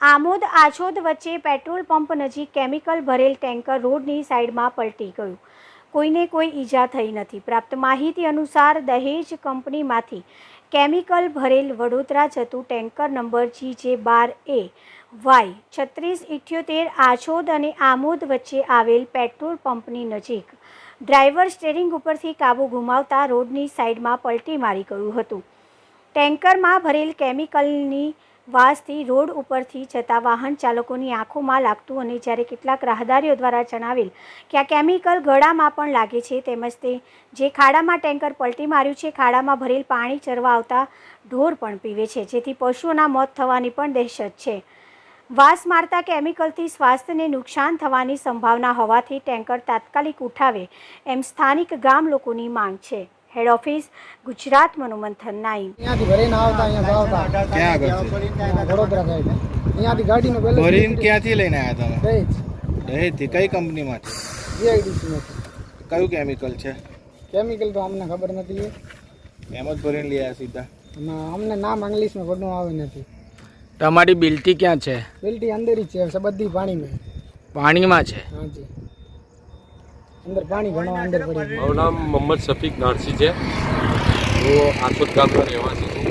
આમોદ આછોદ વચ્ચે petrol pump નજીક chemical ભરેલ ટેન્કર રોડની સાઈડમાં પલટી ગયું. કોઈને કોઈ ઈજા થઈ નથી. પ્રાપ્ત માહિતી અનુસાર દહેજ કંપનીમાંથી કેમિકલ ભરેલ વડોદરા જતું ટેન્કર નંબર GJ12AY3678 આછોદ અને આમોદ વચ્ચે આવેલ પેટ્રોલ પંપની નજીક ડ્રાઈવર સ્ટીયરિંગ ઉપરથી કાબુ ગુમાવતા રોડની સાઈડમાં પલટી મારી ગયું હતું. ટેન્કરમાં ભરેલ કેમિકલની વાસથી રોડ ઉપરથી જતા વાહન ચાલકોની આંખોમાં લાગતું અને જ્યારે કેટલાક રાહદારીઓ દ્વારા જણાવેલ કે આ કેમિકલ ગળામાં પણ લાગે છે, તેમજ તે જે ખાડામાં ટેન્કર પલટી માર્યું છે, ખાડામાં ભરેલ પાણી ચરવા આવતા ઢોર પણ પીવે છે, જેથી પશુઓના મોત થવાની પણ દહેશત છે. વાસ મારતા કેમિકલથી સ્વાસ્થ્યને નુકસાન થવાની સંભાવના હોવાથી ટેન્કર તાત્કાલિક ઉઠાવે એમ સ્થાનિક ગામ લોકોની માંગ છે. હેડ ઓફિસ ગુજરાત મનોમંથન 9 અહીંયાથી ભરીને આવતા અહીંયા આવતા ક્યાં આગળ છે? વડોદરા સાઈડ અહીંયાથી ગાડીનો બેલેન્સ ભરીને ક્યાંથી લઈને આવ્યા તમે? દહેજ દહેજથી. કઈ કંપનીમાંથી? જીઆઈડીસી માંથી. કયું કેમિકલ છે? કેમિકલ તો અમને ખબર નથી. એમ જ ભરીને લઈ આવ્યા સીધા? અમને નામ ઇંગ્લિશમાં ભણવું આવે નથી. તમારી બિલ્ટી ક્યાં છે? બિલ્ટી અંદર જ છે, બધી પાણીમાં. પાણીમાં છે? હાજી, અંદર પાણી ઘણો અંદર પડી. મારું નામ મોહમ્મદ શફીક નારસી છે. હું આછોદ ગામનો રહેવાસી છું.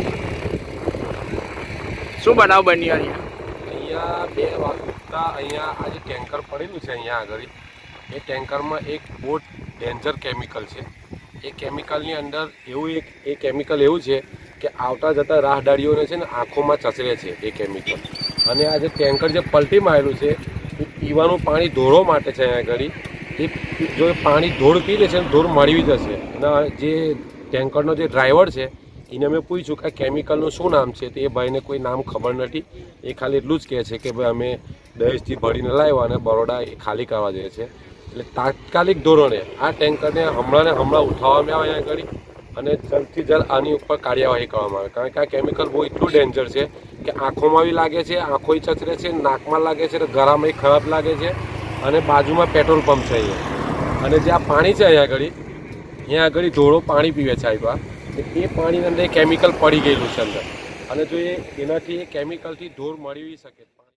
શું બનાવ બન્યો અહીંયા 2 વાગતા અહીંયા આ જે ટેન્કર પડેલું છે અહીંયા આગળ, એ ટેન્કરમાં એક બહુ ડેન્જર કેમિકલ છે. એ કેમિકલની અંદર એ કેમિકલ એવું છે કે આવતા જતા રાહદારીઓને છે ને આંખોમાં ચસરે છે એ કેમિકલ. અને આ જે ટેન્કર જે પલટી મારેલું છે એ પીવાનું પાણી ઢોરો માટે છે અહીંયા આગળ. એ જો પાણી ધોળ પી લેશે ને ધોળ મળી જશે. અને જે ટેન્કરનો જે ડ્રાઈવર છે એને અમે પૂછ્યું કે આ કેમિકલનું શું નામ છે, તો એ ભાઈને કોઈ નામ ખબર નથી. એ ખાલી એટલું જ કહે છે કે ભાઈ અમે દહેજથી ભરીને લાવ્યા અને બરોડા એ ખાલી કરવા જઈએ છે. એટલે તાત્કાલિક ધોરણે આ ટેન્કરને હમણાં ઉઠાવવામાં આવે અહીંયા આગળ અને જલ્દથી જલ્દ આની ઉપર કાર્યવાહી કરવામાં આવે. કારણ કે આ કેમિકલ બહુ એટલું ડેન્જર છે કે આંખોમાં બી લાગે છે, આંખોય ચચરે છે, નાકમાં લાગે છે, ગળામાં ખરાબ લાગે છે. અને બાજુમાં પેટ્રોલ પંપ છે અહીંયા. અને જે આ પાણી છે અહીંયા આગળ ઢોરો પાણી પીવે છે આવ્યા. એ પાણીની અંદર કેમિકલ પડી ગયેલું છે અંદર. અને જો એનાથી એ કેમિકલથી ઢોર મળી શકે.